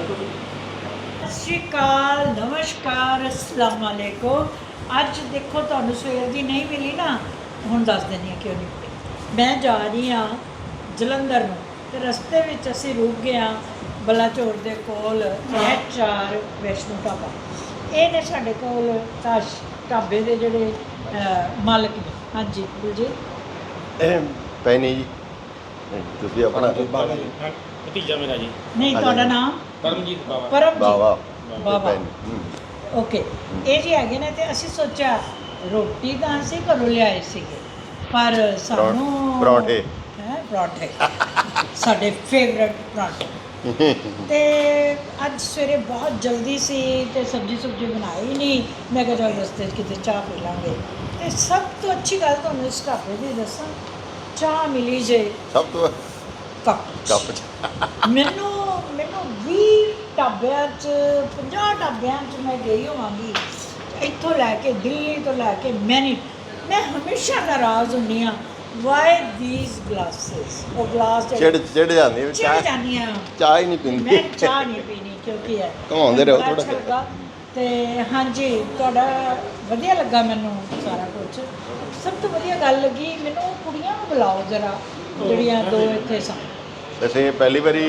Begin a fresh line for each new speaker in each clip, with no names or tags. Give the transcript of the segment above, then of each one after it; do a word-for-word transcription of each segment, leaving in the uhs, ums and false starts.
ਸਤਿ ਸ਼੍ਰੀ ਅਕਾਲ, ਨਮਸਕਾਰ, ਅਸਲਾਮ ਵਾਲੇਕੁਮ। ਅੱਜ ਦੇਖੋ ਤੁਹਾਨੂੰ ਸਵੇਰ ਦੀ ਨਹੀਂ ਮਿਲੀ ਨਾ, ਹੁਣ ਦੱਸ ਦਿੰਦੀ ਹਾਂ ਕਿਉਂ ਨਹੀਂ ਮਿਲੀ। ਮੈਂ ਜਾ ਰਹੀ ਹਾਂ ਜਲੰਧਰ ਨੂੰ ਤੇ ਰਸਤੇ ਵਿੱਚ ਅਸੀਂ ਰੁਕ ਗਏ ਹਾਂ ਬਲਾਚੌਰ ਦੇ ਕੋਲ ਐਚ ਆਰ ਵੈਸ਼ਨੂ ਢਾਬਾ। ਇਹ ਨੇ ਸਾਡੇ ਕੋਲ ਤਾਸ਼ ਢਾਬੇ ਦੇ ਜਿਹੜੇ ਅਹ, ਮਾਲਕ ਨੇ। ਹਾਂਜੀ ਬਲਜੀਤ
ਪੈਣੀ ਜੀ ਤੁਸੀਂ ਆਪਣਾ
ਭਤੀਜਾ ਮੇਰਾ ਜੀ।
ਨਹੀਂ, ਤੁਹਾਡਾ ਨਾਮ
ਪਰਮਜੀਤ ਬਾਵਾ।
ਪਰਮਜੀਤ
ਬਾਵਾ
ਬਾਵਾ। ਓਕੇ, ਇਹ ਜੀ ਹੈਗੇ ਨੇ ਤੇ ਅਸੀਂ ਸੋਚਿਆ ਰੋਟੀ ਤਾਂ ਅਸੀਂ ਘਰੋਂ ਲਿਆਏ ਸੀਗੇ, ਪਰ ਸਾਨੂੰ
ਪਰੌਂਠੇ
ਹੈ ਪਰੌਂਠੇ ਸਾਡੇ ਫੇਵਰਟ ਪਰੌਂਠੇ। ਤੇ ਅੱਜ ਸਵੇਰੇ ਬਹੁਤ ਜਲਦੀ ਸੀ ਤੇ ਸਬਜ਼ੀ ਸੁਬਜ਼ੀ ਬਣਾਈ ਨਹੀਂ। ਮੈਂ ਕਿਹਾ ਚੱਲ ਰਸਤੇ 'ਚ ਕਿਤੇ ਚਾਹ ਪੀ ਲਾਂਗੇ। ਤੇ ਸਭ ਤੋਂ ਅੱਛੀ ਗੱਲ ਤੁਹਾਨੂੰ ਇਸ ਢਾਬੇ ਦੀ ਦੱਸਾਂ, ਚਾਹ ਮਿਲੀ ਜੇ
ਸਭ ਤੋਂ
ਕੱਪ
ਕੱਪ ਚ।
ਮੈਨੂੰ ਮੈਨੂੰ ਵੀਹ ਢਾਬਿਆਂ 'ਚ ਪੰਜਾਹ ਢਾਬਿਆਂ 'ਚ ਮੈਂ ਗਈ ਹੋਵਾਂਗੀ, ਇੱਥੋਂ ਲੈ ਕੇ ਦਿੱਲੀ ਤੋਂ ਲੈ ਕੇ ਮੈਨੀ ਮੈਂ ਹਮੇਸ਼ਾ ਨਾਰਾਜ਼ ਹੁੰਦੀ ਹਾਂ, ਵਾਈ ਦੀਸ ਗਲਾਸਿਸ। ਉਹ ਗਲਾਸ
ਚਿੜ ਚਿੜ ਜਾਂਦੀ ਹੈ,
ਚਿੜ
ਚਾਹ
ਜਾਂਦੀ ਹਾਂ
ਚਾਹ ਹੀ ਨਹੀਂ ਪੀਂਦੀ।
ਮੈਂ ਚਾਹ ਨਹੀਂ ਪੀਣੀ ਕਿਉਂਕਿ ਹੈ
ਘੁਮਾਉਂਦੇ ਰਹੋ
ਬੜਾ
ਥੋੜ੍ਹਾ।
ਅੱਛਾ ਲੱਗਾ। ਤੇ ਹਾਂਜੀ, ਤੁਹਾਡਾ ਵਧੀਆ ਲੱਗਾ ਮੈਨੂੰ ਸਾਰਾ ਕੁਝ। ਸਭ ਤੋਂ ਵਧੀਆ ਗੱਲ ਲੱਗੀ ਮੈਨੂੰ, ਕੁੜੀਆਂ ਨੂੰ ਬੁਲਾਓ ਜ਼ਰਾ ਜਿਹੜੀਆਂ ਦੋ ਇੱਥੇ ਸਨ।
ਅਸੀਂ ਪਹਿਲੀ ਵਾਰੀ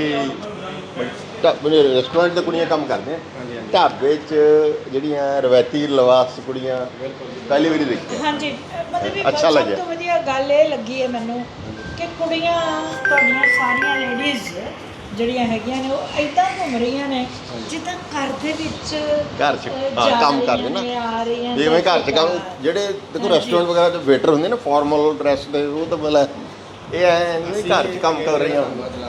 ਢਾਬੇ ਰੈਸਟੋਰੈਂਟ ਤੇ ਕੁੜੀਆਂ ਕੰਮ ਕਰਦੇ ਆ, ਢਾਬੇ 'ਚ ਜਿਹੜੀਆਂ ਰਵਾਇਤੀ ਲਿਬਾਸ ਕੁੜੀਆਂ ਪਹਿਲੀ ਵਾਰੀ ਦੇਖੀ।
ਹਾਂਜੀ, ਮਤਲਬ ਵੀ
ਅੱਛਾ
ਸਭ
ਲੱਗਿਆ।
ਤੋਂ ਵਧੀਆ ਗੱਲ ਇਹ ਲੱਗੀ ਹੈ ਮੈਨੂੰ ਕਿ ਕੁੜੀਆਂ ਤੁਹਾਡੀਆਂ ਸਾਰੀਆਂ ਲੇਡੀਜ਼ ਜਿਹੜੀਆਂ ਹੈਗੀਆਂ ਨੇ ਉਹ ਇੱਦਾਂ ਘੁੰਮ ਰਹੀਆਂ ਨੇ ਜਿੱਦਾਂ ਘਰ ਦੇ ਵਿੱਚ
ਘਰ 'ਚ
ਅਹ,
ਹਾਂ,
ਜਾ
ਕੰਮ
ਰਹੀਆਂ
ਕਰਦੇ ਨਾ
ਨੇ, ਆ ਰਹੀਆਂ
ਜਿਵੇਂ ਘਰ 'ਚ ਕੰਮ
ਸਤਿ
ਜਿਹੜੇ ਦੇਖੋ
ਹਾਂਜੀ।
ਰੈਸਟੋਰੈਂਟ ਵਗੈਰਾ 'ਚ ਵੇਟਰ ਹੁੰਦੇ ਨਾ ਫਾਰਮਲ ਡਰੈਸ ਦੇ, ਉਹ ਤਾਂ ਬਲਾ ਇਹ ਐ ਨਹੀਂ ਘਰ 'ਚ ਕੰਮ ਕਰ ਰਹੀਆਂ।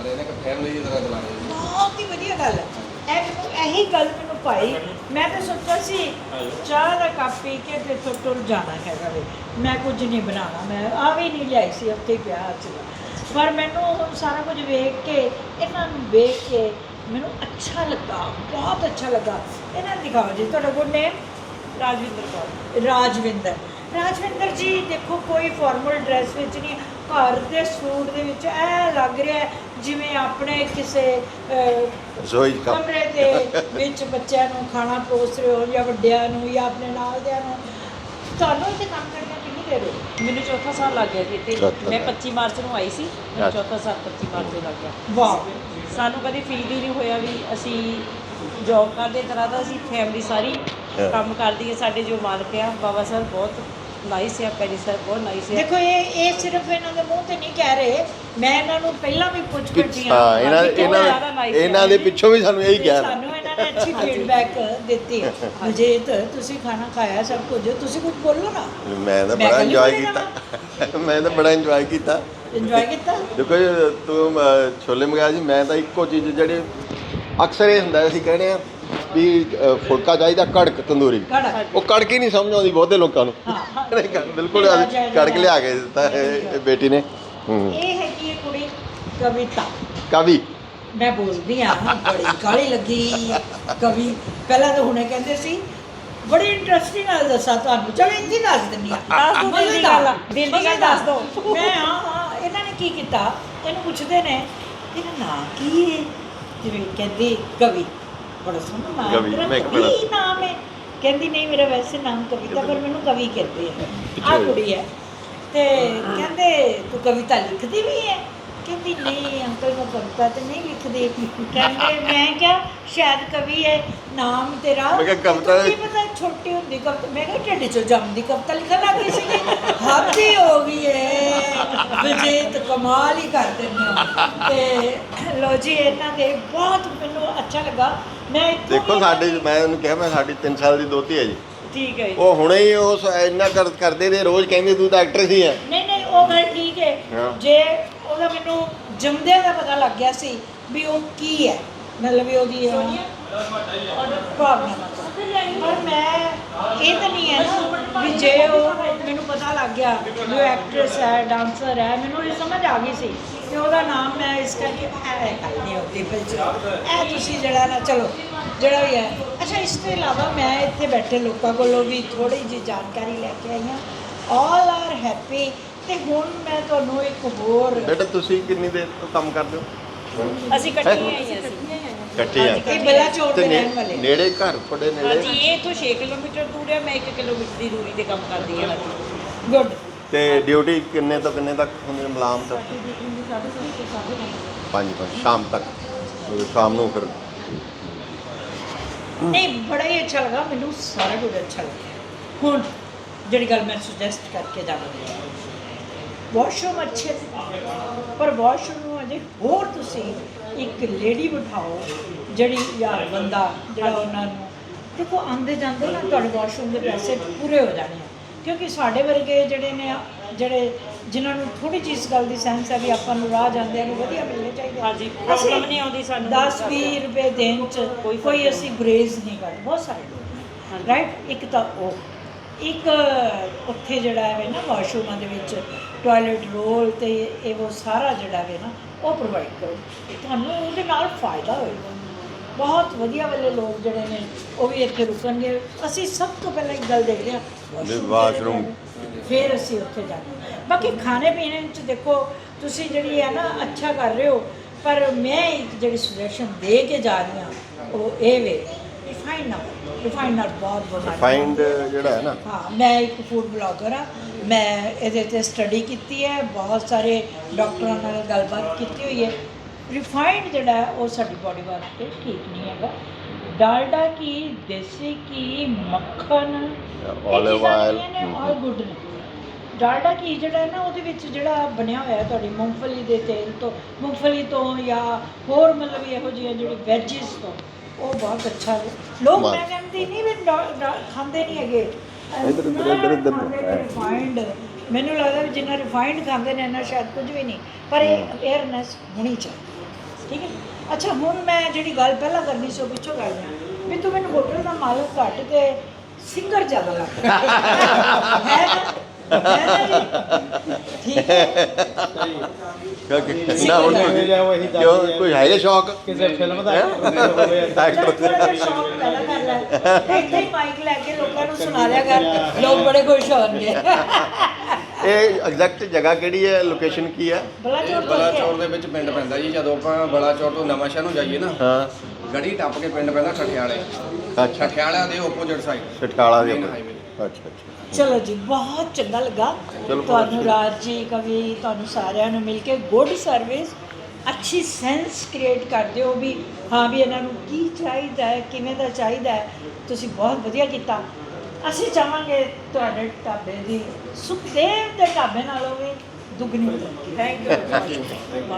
ਬਹੁਤ ਹੀ ਵਧੀਆ ਗੱਲ ਹੈ। ਇਹ ਮੈਨੂੰ ਇਹੀ ਗੱਲ ਮੈਨੂੰ ਭਾਈ, ਮੈਂ ਤਾਂ ਸੋਚਿਆ ਸੀ ਚਾਹ ਦਾ ਕੱਪ ਪੀ ਕੇ ਤੇ ਤੋਂ ਟੁਰ ਜਾਣਾ ਹੈਗਾ ਵੇ, ਮੈਂ ਕੁਝ ਨਹੀਂ ਬਣਾਉਣਾ, ਮੈਂ ਆ ਵੀ ਨਹੀਂ ਲਿਆਈ ਸੀ, ਉੱਥੇ ਹੀ ਪਿਆ ਅੱਜ। ਪਰ ਮੈਨੂੰ ਹੁਣ ਸਾਰਾ ਕੁਝ ਵੇਖ ਕੇ, ਇਹਨਾਂ ਨੂੰ ਵੇਖ ਕੇ ਮੈਨੂੰ ਅੱਛਾ ਲੱਗਾ, ਬਹੁਤ ਅੱਛਾ ਲੱਗਾ। ਇਹਨਾਂ ਨੂੰ ਦਿਖਾਓ ਜੀ ਤੁਹਾਡਾ ਗੁੱਡ ਨੇਮ। ਰਾਜਵਿੰਦਰ ਕੌਰ। ਰਾਜਵਿੰਦਰ ਰਾਜਵਿੰਦਰ ਜੀ ਦੇਖੋ, ਕੋਈ ਫਾਰਮਲ ਡਰੈਸ ਵਿੱਚ ਨਹੀਂ, ਘਰ ਦੇ ਸੂਟ ਦੇ ਵਿੱਚ ਐ ਲੱਗ ਰਿਹਾ ਹੈ ਜਿਵੇਂ ਆਪਣੇ ਕਿਸੇ ਅਹ,
ਰਸੋਈ 'ਚ ਕੰਮ
ਕਮਰੇ ਦੇ ਵਿੱਚ ਬੱਚਿਆਂ ਨੂੰ ਖਾਣਾ ਪਰੋਸ ਰਹੇ ਹੋ, ਜਾਂ ਵੱਡਿਆਂ ਨੂੰ ਜਾਂ ਆਪਣੇ ਨਾਲ ਦਿਆਂ ਨੂੰ। ਤੁਹਾਨੂੰ ਇੱਥੇ ਕੰਮ ਕਰਨਾ ਕਿੰਨੀ ਦੇਰ ਹੋ ਗਈ?
ਮੈਨੂੰ ਚੌਥਾ ਸਾਲ ਲੱਗ ਗਿਆ ਜੀ ਇੱਥੇ।
ਚੌਥਾ
ਮੈਂ
ਸਾਲ।
ਪੱਚੀ ਮਾਰਚ ਨੂੰ ਆਈ ਸੀ, ਮੈਨੂੰ
ਅੱਛਾ।
ਚੌਥਾ ਸਾਲ ਪੱਚੀ ਮਾਰਚ ਨੂੰ ਲੱਗ ਗਿਆ।
ਵਾਹ,
ਸਾਨੂੰ ਕਦੇ ਫੀਲ ਹੀ ਨਹੀਂ ਹੋਇਆ ਵੀ ਅਸੀਂ ਜੌਬ ਕਰਦੇ ਤਰ੍ਹਾਂ ਦਾ। ਅਸੀਂ ਫੈਮਿਲੀ ਸਾਰੀ
ਹਾਂ।
ਕੰਮ ਕਰਦੀ ਹੈ। ਸਾਡੇ ਜੋ ਮਾਲਕ ਆ ਬਾਬਾ ਸਰ ਬਹੁਤ ਨਾਈਸ ਆ, ਪੈਰੀ ਸਰ ਬਹੁਤ ਨਾਈਸ ਆ।
ਦੇਖੋ ਇਹ ਇਹ ਸਿਰਫ ਇਹਨਾਂ ਦੇ ਮੂੰਹ ਤੇ ਨਹੀਂ ਕਹਿ ਰਹੇ, ਮੈਂ ਇਹਨਾਂ ਨੂੰ ਪਹਿਲਾਂ ਵੀ ਪੁੱਛ ਬੈਠੀ ਹਾਂ।
ਹਾਂ, ਇਹਨਾਂ
ਬਹੁਤ
ਇਹਨਾਂ
ਜ਼ਿਆਦਾ nice ਹੈ।
ਇਹਨਾਂ ਦੇ ਪਿੱਛੋਂ ਵੀ ਸਾਨੂੰ ਇਹੀ ਕਿਹਾ।
ਸਾਨੂੰ ਇਹਨਾਂ ਨੇ ਅੱਛੀ ਫੀਡਬੈਕ ਦਿੱਤੀ। ਅਜੀਤ, ਤੁਸੀਂ ਖਾਣਾ ਖਾਇਆ ਸਭ ਕੁਝ, ਤੁਸੀਂ ਕੁਝ ਬੋਲੋ ਨਾ।
ਮੈਂ ਤਾਂ
ਮੈਂ
ਬੜਾ
ਕਹਿੰਦੀ
ਇੰਜੋਏ
ਬੋਲੀ
ਕੀਤਾ। ਮੈਂ ਤਾਂ ਬੜਾ ਇੰਜੋਏ ਕੀਤਾ।
ਇੰਜੋਏ ਕੀਤਾ।
ਦੇਖੋ ਜੀ, ਤੂੰ ਅਹ, ਛੋਲੇ ਮੰਗਾਇਆ ਸੀ, ਮੈਂ ਤਾਂ ਇੱਕੋ ਚੀਜ਼ ਜਿਹੜੇ ਅਕਸਰ ਇਹ ਹੁੰਦਾ ਅਸੀਂ ਕਹਿੰਦੇ ਆ ਵੀ ਅਹ, ਫੁਲਕਾ ਚਾਹੀਦਾ ਕੜਕ ਤੰਦੂਰੀ।
ਕੜਕ।
ਉਹ ਕੜਕ ਹੀ ਨਹੀਂ ਸਮਝ ਆਉਂਦੀ ਬਹੁਤੇ ਲੋਕਾਂ ਨੂੰ।
ਹਾਂ।
ਨਹੀਂ, ਕੜ- ਬਿਲਕੁਲ ਅਸੀਂ ਕੜਕ ਲਿਆ ਕੇ ਦਿੱਤਾ ਇਹ ਇਹ ਬੇਟੀ ਨੇ। ਹੂੰ।
ਇਹ ਹੈਗੀ ਹੈ ਕੁੜੀ ਕਵਿਤਾ।
ਕਵੀ
ਮੈਂ ਬੋਲਦੀ ਆ, ਬੜੀ ਕਾਹਲੀ ਲੱਗੀ ਕਵੀ। ਪਹਿਲਾਂ ਤਾਂ ਹੁਣੇ ਕਹਿੰਦੇ ਸੀ ਬੜੀ ਇੰਟਰਸਟਿੰਗ ਨਾਲ ਦੱਸਾਂ ਤੁਹਾਨੂੰ, ਚਲੋ ਇੰਨੀ ਦੱਸ ਦਿੰਦੀ ਆ।
ਦੱਸ ਦਿਓ, ਦਿਲ ਦੀ ਗੱਲ ਆ, ਦਿਲ ਦੀ ਗੱਲ ਦੱਸ ਦਿਓ।
ਮੈਂ ਹਾਂ ਹਾਂ ਇਹਨਾਂ ਨੇ ਕੀ ਕੀਤਾ, ਇਹਨੂੰ ਪੁੱਛਦੇ ਨੇ ਤੇਰਾ ਨਾਂ ਕੀ ਹੈ, ਜਿਵੇਂ ਕਹਿੰਦੀ ਕਵੀ, ਬੜਾ ਸੋਹਣਾ ਨਾਮ
ਕਵੀ,
ਤੇਰਾ,
ਮੈਂ ਇੱਕ
ਕਵੀ
ਮਿੰਟ।
ਨਾਮ ਹੈ। ਕਹਿੰਦੀ ਨਹੀਂ, ਮੇਰਾ ਵੈਸੇ ਨਾਮ ਕਵਿਤਾ, ਪਰ ਮੈਨੂੰ ਕਵੀ ਕਹਿੰਦੇ ਆ। ਆਹ ਕੁੜੀ ਹੈ। ਤੇ ਕਹਿੰਦੇ ਤੂੰ ਕਵਿਤਾ ਲਿਖਦੀ ਵੀ ਹੈ? ਕਹਿੰਦੀ ਨਹੀਂ ਅੰਕਲ, ਮੈਂ ਕਵਿਤਾ ਤੇ ਨਹੀਂ ਲਿਖਦੀ। ਕਹਿੰਦੇ ਮੈਂ ਕਿਹਾ ਸ਼ਾਇਦ ਕਵੀ ਹੈ ਨਾਮ ਤੇਰਾ।
ਮੈਂ ਕਿਹਾ ਕਵਿਤਾ-
ਤੈਨੂੰ ਕੀ ਪਤਾ ਛੋਟੀ ਹੁੰਦੀ ਕਵਿਤਾ। ਮੈਂ ਕਿਹਾ ਢਿੱਡ ਚੋਂ ਜੰਮਦੀ ਕਵਿਤਾ ਲਿਖਣ ਲੱਗ ਗਈ ਸੀਗੀ। ਹੱਦ ਹੀ ਹੋ ਗਈ ਹੈ, ਵਿਜੇਤ ਕਮਾਲ ਹੀ ਕਰ ਦਿੰਦੇ ਹੋ। ਤੇ ਲੋ ਜੀ, ਇਹਨਾਂ ਦੇ ਬਹੁਤ ਮੈਨੂੰ ਅੱਛਾ ਲੱਗਾ। ਮੈਂ ਇੱਥੋਂ
ਦੇਖੋ
ਵੀ
ਸਾਡੇ,
ਇਹਨਾਂ ਦੀ-
ਮੈਂ ਉਹਨੂੰ ਕਿਹਾ ਮੈਂ ਸਾਡੀ ਤਿੰਨ ਸਾਲ ਦੀ ਦੋਤੀ ਹੈ ਜੀ।
ਠੀਕ ਹੈ ਜੀ।
ਉਹ ਹੁਣੇ ਹੀ ਉਸ ਇੰਨਾ ਕਰ ਕਰਦੇ ਨੇ, ਰੋਜ਼ ਕਹਿੰਦੇ ਤੂੰ ਤਾਂ ਐਕਟਰਸ ਹੀ ਹੈ।
ਨਹੀਂ ਨਹੀਂ, ਉਹ ਗੱਲ ਠੀਕ ਹੈ।
ਹਾਂ।
ਜੇ ਉਹਦਾ ਮੈਨੂੰ ਜੰਮਦਿਆਂ ਦਾ ਪਤਾ ਲੱਗ ਗਿਆ ਸੀ ਵੀ ਉਹ ਕੀ ਹੈ, ਮਤਲਬ ਵੀ ਉਹਦੀ ਭਾਵਨਾ। ਪਰ ਮੈਂ ਇਹ ਤਾਂ ਨਹੀਂ ਹੈ ਨਾ ਵੀ ਜੇ ਉਹ ਮੈਨੂੰ ਪਤਾ ਲੱਗ ਗਿਆ ਵੀ ਉਹ ਐਕਟਰੈਸ ਹੈ, ਡਾਂਸਰ ਹੈ, ਮੈਨੂੰ ਇਹ ਸਮਝ ਆ ਗਈ ਸੀ ਕਿ ਉਹਦਾ ਨਾਮ ਮੈਂ ਇਸ ਕਰਕੇ ਐ ਕਰਨੀ ਹੁੰਦੀ ਵਿੱਚ ਇਹ ਤੁਸੀਂ ਜਿਹੜਾ ਨਾ, ਚਲੋ ਜਿਹੜਾ ਵੀ ਹੈ। ਅੱਛਾ, ਇਸ ਤੋਂ ਇਲਾਵਾ ਮੈਂ ਇੱਥੇ ਬੈਠੇ ਲੋਕਾਂ ਕੋਲੋਂ ਵੀ ਥੋੜ੍ਹੀ ਜਿਹੀ ਜਾਣਕਾਰੀ ਲੈ ਕੇ ਆਈ ਹਾਂ। All are happy. ਤੇ ਹੁਣ ਮੈਂ ਤੁਹਾਨੂੰ ਇੱਕ ਹੋਰ
ਬੇਟਾ ਤੁਸੀਂ ਕਿੰਨੀ ਦੇਰ ਤੋਂ ਕੰਮ ਕਰਦੇ ਹੋ?
ਅਸੀਂ ਇਕੱਠੀਆਂ ਹੀ ਹਾਂ ਅਸੀਂ।
ਇਕੱਠੇ ਆ
ਇਹ ਬਲਾਚੌਰ
ਤੇ
ਦੇ
ਨੇ-
ਰਹਿਣ ਵਾਲੇ
ਨੇੜੇ ਘਰ ਤੁਹਾਡੇ ਨੇੜੇ
ਹਾਂਜੀ ਇਹ ਇੱਥੋਂ ਛੇ ਕਿਲੋਮੀਟਰ ਦੂਰ ਹੈ, ਮੈਂ ਇੱਕ ਕਿਲੋਮੀਟਰ ਦੀ ਦੂਰੀ ਤੇ ਕੰਮ ਕਰਦੀ ਹਾਂ। ਹਾਂਜੀ
ਗੁੱਡ।
ਤੇ ਡਿਊਟੀ ਕਿੰਨੇ ਤੋਂ ਕਿੰਨੇ ਤੱਕ ਹੁੰਦੀ ਹੈ ਮੁਲਾਜ਼ਮ ਤੱਕ?
ਸਾਡੀ ਡਿਊਟੀ ਹੁੰਦੀ ਸਾਢੇ ਸੱਤ ਤੋਂ ਸਾਢੇ ਨੌਂ ਵਜੇ।
ਪੰਜ ਪੰਜ ਸ਼ਾਮ ਤੱਕ ਤੇ ਸ਼ਾਮ ਨੂੰ ਫਿਰ
ਨਹੀਂ ਬੜਾ ਹੀ ਅੱਛਾ ਲੱਗਾ ਮੈਨੂੰ, ਸਾਰਾ ਕੁਝ ਅੱਛਾ ਲੱਗਿਆ। ਹੁਣ ਜਿਹੜੀ ਗੱਲ ਮੈਂ ਸੁਜੈਸਟ ਕਰਕੇ ਜਾਵਾਂਗੀ, ਵਾਸ਼ਰੂਮ ਅੱਛੇ ਨੇ, ਪਰ ਵਾਸ਼ਰੂਮ ਨੂੰ ਅਜੇ ਹੋਰ ਤੁਸੀਂ ਇੱਕ ਲੇਡੀ ਬਿਠਾਓ ਜਿਹੜੀ ਜਾਂ ਬੰਦਾ ਜਿਹੜਾ ਉਹਨਾਂ ਨੂੰ ਦੇਖੋ ਆਉਂਦੇ ਜਾਂਦੇ ਨਾ ਤੁਹਾਡੇ ਵਾਸ਼ਰੂਮ ਦੇ ਪੈਸੇ ਪੂਰੇ ਹੋ ਜਾਣੇ ਆ, ਕਿਉਂਕਿ ਸਾਡੇ ਵਰਗੇ ਜਿਹੜੇ ਨੇ ਜਿਹੜੇ ਜਿਨ੍ਹਾਂ ਨੂੰ ਥੋੜੀ ਜਿਹੀ ਇਸ ਗੱਲ ਦੀ ਸੈਂਸ ਹੈ ਵੀ ਆਪਾਂ ਨੂੰ ਰਾਹ ਜਾਂਦਿਆਂ ਨੂੰ ਵਧੀਆ ਮਿਲਣੇ ਚਾਹੀਦੇ।
ਹਾਂਜੀ, problem ਨਹੀਂ ਆਉਂਦੀ ਸਾਨੂੰ।
ਦਸ ਵੀਹ ਰੁਪਏ ਦੇਣ 'ਚ
ਕੋਈ
ਕੋਈ ਅਸੀਂ ਗੁਰੇਜ਼ ਨਹੀਂ ਕਰਦੇ, ਬਹੁਤ ਸਾਰੇ ਲੋਕ
ਹਾਂਜੀ।
ਰਾਈਟ। ਇੱਕ ਤਾਂ ਉਹ ਇੱਕ ਉੱਥੇ ਜਿਹੜਾ ਹੈ ਨਾ ਵਾਸ਼ਰੂਮਾਂ ਦੇ ਵਿੱਚ ਟਾਇਲਟ ਰੋਲ ਤੇ ਇਹ ਉਹ ਸਾਰਾ ਜਿਹੜਾ ਹੈ ਨਾ ਉਹ ਪ੍ਰੋਵਾਈਡ ਕਰੋ, ਤੁਹਾਨੂੰ ਉਹਦੇ ਨਾਲ ਫਾਇਦਾ ਹੋਏਗਾ। ਬਹੁਤ ਵਧੀਆ ਵਾਲੇ ਲੋਕ ਜਿਹੜੇ ਨੇ ਉਹ ਵੀ ਇੱਥੇ ਰੁਕਣਗੇ। ਅਸੀਂ ਸਭ ਤੋਂ ਪਹਿਲਾਂ ਇੱਕ ਗੱਲ ਦੇਖਦੇ ਹਾਂ
ਵਾਸ਼ਰੂਮ,
ਫਿਰ ਅਸੀਂ ਉੱਥੇ ਜਾਂਦੇ। ਬਾਕੀ ਖਾਣੇ ਪੀਣੇ 'ਚ ਦੇਖੋ ਤੁਸੀਂ ਜਿਹੜੀ ਹੈ ਨਾ ਅੱਛਾ ਕਰ ਰਹੇ ਹੋ, ਪਰ ਮੈਂ ਇੱਕ ਜਿਹੜੀ ਸੁਜੈਸ਼ਨ ਦੇ ਕੇ ਜਾ ਰਹੀ ਹਾਂ ਉਹ ਇਹ ਵੇ ਰਿਫਾਈਂਡ ਨਾ ਰਿਫਾਈਂਡ ਨਾਲ ਬਹੁਤ ਬਿਮਾਰੀ
ਰਿਫਾਈਂਡ ਜਿਹੜਾ ਹੈ ਨਾ,
ਹਾਂ ਮੈਂ ਇੱਕ ਫੂਡ ਬਲੌਗਰ ਹਾਂ, ਮੈਂ ਇਹਦੇ 'ਤੇ ਸਟੱਡੀ ਕੀਤੀ ਹੈ, ਬਹੁਤ ਸਾਰੇ ਡਾਕਟਰਾਂ ਨਾਲ ਗੱਲਬਾਤ ਕੀਤੀ ਹੋਈ ਹੈ। ਰਿਫਾਈਂਡ ਜਿਹੜਾ ਹੈ ਉਹ ਸਾਡੀ ਬਾਡੀ ਵਾਸਤੇ ਠੀਕ ਨਹੀਂ ਹੈਗਾ। ਡਾਲਡਾ ਕੀ, ਦੇਸੀ ਕੀ, ਮੱਖਣ,
olive oil,
ਆਲ ਗੁੱਡ ਨੇ। ਡਾਲਡਾ ਕੀ ਜਿਹੜਾ ਹੈ ਨਾ ਉਹਦੇ ਵਿੱਚ ਜਿਹੜਾ ਬਣਿਆ ਹੋਇਆ ਤੁਹਾਡੀ ਮੂੰਗਫਲੀ ਦੇ ਤੇਲ ਤੋਂ, ਮੂੰਗਫਲੀ ਤੋਂ ਜਾਂ ਹੋਰ ਮਤਲਬ ਇਹੋ ਜਿਹੀਆਂ ਜਿਹੜੀ ਵੈਜਿਸ ਤੋਂ, ਉਹ ਬਹੁਤ ਅੱਛਾ ਹੈ। ਲੋਕ
ਵਾਹ।
ਮੈਂ ਕਹਿੰਦੀ ਨਹੀਂ ਵੀ ਡਾ- ਡਾ- ਖਾਂਦੇ ਨਹੀਂ ਹੈਗੇ
ਇੱਧਰ- ਇੱਧਰ- ਇੱਧਰ- ਇੱਧਰ।
ਰਿਫਾਈਂਡ ਮੈਨੂੰ ਲੱਗਦਾ ਵੀ ਜਿੰਨਾ ਰਿਫਾਈਂਡ ਖਾਂਦੇ ਨੇ ਨਾ ਸ਼ਾਇਦ ਕੁਝ ਵੀ ਨਹੀਂ, ਪਰ ਇਹ ਅਵੇਅਰਨੈਸ ਹੋਣੀ ਚਾਹੀਦੀ। ਠੀਕ ਹੈ। ਅੱਛਾ ਹੁਣ ਮੈਂ ਜਿਹੜੀ ਗੱਲ ਪਹਿਲਾਂ ਕਰਨੀ ਸੀ ਉਹ ਪਿੱਛੋਂ ਕਰ ਲਿਆ ਵੀ ਤੂੰ ਮੈਨੂੰ ਹੋਟਲ ਦਾ ਮਾਲਕ ਘੱਟ ਤੇ ਸਿੰਗਰ ਜ਼ਿਆਦਾ ਲੱਗਦਾ ਹੈ ਨਾ? ਹੈ ਨਾ ਜੀ? ਠੀਕ ਹੈ।
ਕਿਉਂਕਿ ਨਾ ਹੁਣ ਤੁਸੀਂ- ਕਿਉਂ ਕੋਈ ਹੈਗੇ ਸ਼ੌਕ
ਕਿਸੇ ਫਿਲਮ ਦਾ
ਐਕਟਰ
ਥੋੜ੍ਹਾ ਜਿਹਾ ਸ਼ੌਕ ਪੈਦਾ ਕਰ ਲੈ, ਇੱਥੇ ਹੀ ਮਾਈਕ ਲੈ ਕੇ ਲੋਕਾਂ ਨੂੰ ਸੁਣਾ ਲਿਆ ਕਰ, ਲੋਕ ਬੜੇ ਖੁਸ਼ ਹੋਣਗੇ।
ਇਹ ਐਗਜ਼ੈਕਟ ਜਗ੍ਹਾ ਕਿਹੜੀ ਹੈ, ਲੋਕੇਸ਼ਨ ਕੀ ਹੈ?
ਬਲਾਚੌਰ ਤੋਂ
ਬਲਾਚੌਰ
ਅੱਗੇ।
ਦੇ ਵਿੱਚ ਪਿੰਡ ਪੈਂਦਾ ਜੀ। ਜਦੋਂ ਆਪਾਂ ਬਲਾਚੌਰ ਤੋਂ ਨਵਾਂ ਸ਼ਹਿਰ ਨੂੰ ਜਾਈਏ ਨਾ,
ਹਾਂ
ਗੜੀ ਟੱਪ ਕੇ ਪਿੰਡ ਪੈਂਦਾ ਠਠਿਆਲੇ।
ਅੱਛਾ,
ਠਠਿਆਲਿਆਂ ਦੇ ਆਪੋਜ਼ਿਟ ਸਾਈਡ
ਸਟਾਲਾ ਦੇ
Main
ਉੱਪਰ।
highway।
ਅੱਛਾ ਅੱਛਾ
ਚਲੋ ਜੀ ਬਹੁਤ ਚੰਗਾ ਲੱਗਾ
ਚਲੋ,
ਤੁਹਾਨੂੰ
ਬਹੁਤ
ਰਾਜ ਜੀ ਕਵੀ ਤੁਹਾਨੂੰ ਸਾਰਿਆਂ ਨੂੰ ਮਿਲ ਕੇ। ਗੁੱਡ ਸਰਵਿਸ, ਅੱਛੀ ਸੈਂਸ ਕ੍ਰੀਏਟ ਕਰਦੇ ਹੋ ਵੀ ਹਾਂ ਵੀ ਇਹਨਾਂ ਨੂੰ ਕੀ ਚਾਹੀਦਾ ਹੈ, ਕਿਵੇਂ ਦਾ ਚਾਹੀਦਾ ਹੈ। ਤੁਸੀਂ ਬਹੁਤ ਵਧੀਆ ਕੀਤਾ। ਅਸੀਂ ਚਾਹਾਂਗੇ ਤੁਹਾਡੇ ਢਾਬੇ ਦੀ ਸੁਖਦੇਵ ਦੇ ਢਾਬੇ ਨਾਲੋਂ ਵੀ ਦੁੱਗਣੀ ਤਰੱਕੀ। Thank you.